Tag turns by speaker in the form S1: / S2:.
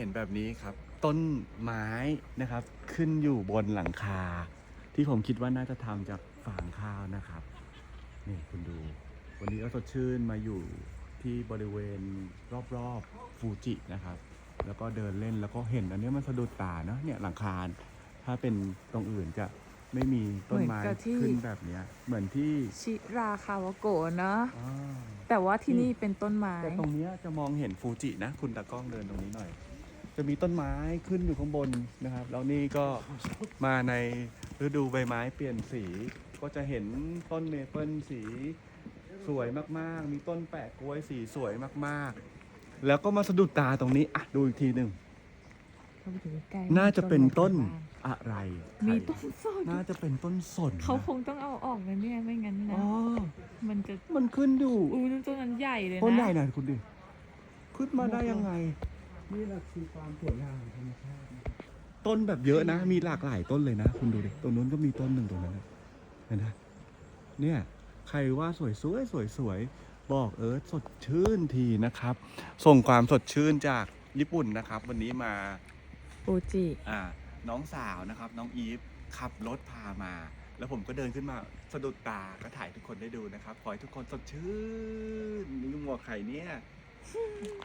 S1: ห็นแบบนี้ครับ ต้นไม้นะครับ ขึ้นอยู่บนหลังคา ที่ผมคิดว่าน่าจะทำจากฟางข้าวนะครับ นี่คุณดู วันนี้ก็สดชื่นมาอยู่ที่บริเวณรอบๆฟูจินะครับ แล้วก็เดินเล่นแล้วก็เห็นอันนี้มันสะดุดตาเนาะเนี่ยหลังคาถ้าเป็นตรงอื่นจะไม่มีต้นไม้
S2: เหมือนกับที่
S1: ขึ้นแบบเนี้ยเหมือนที่
S2: ชิราคาวะโกะเนอะ
S1: อ่า
S2: แต่ว่าที่นี่เป็นต้นไม้
S1: แต่ตรงเนี้ยจะมองเห็นฟูจินะ คุณตากล้องเดินตรงนี้หน่อย จะมีต้นไม้ขึ้นอยู่ข้างบนนะครับ แล้วนี่ก็มาในฤดูใบไม้เปลี่ยนสี ก็จะเห็นต้นเมเปิลสีสวยมากๆ มีต้นแปะกล้วยสีสวยมากๆ แล้วก็มาสะดุดตาตรงนี้อ่ะดูอีกทีหนึ่ง
S2: เข้าไปดูใกล้ๆ
S1: น่าจะเป็นต้น
S2: บ้าง
S1: อะไร
S2: มีต้นสน
S1: น่าจะเป็นต้นสนนะ
S2: เขาคงต้องเอาออกนะเนี่ยไม่งั้นนะ
S1: อ๋อ
S2: มันจะ
S1: มันขึ้นอยู่
S2: ต้นนั้นใหญ่เลยนะ
S1: ต้นใหญ่หน่อยคุณดิ ขึ้นมาได้ยังไง
S3: นี่แหละคือความสวยงามของธรรมชาตินะครับ
S1: ต้นแบบเยอะนะ มีหลากหลายต้นเลยนะ คุณดูดิ ตรงนู้นก็มีต้นหนึ่งตรงนั้นนะเห็นไหมเนี่ย ใครว่าสวยสวยบอกสดชื่นทีนะครับ ส่งความสดชื่นจากญี่ปุ่นนะครับ วันนี้มา
S2: ฟูจิ
S1: น้องสาวนะครับ น้องอีฟขับรถพามา แล้วผมก็เดินขึ้นมาสะดุดตาก็ถ่ายทุกคนได้ดูนะครับ ขอให้ทุกคนสดชื่นนี่หมวกไข่เนี่ย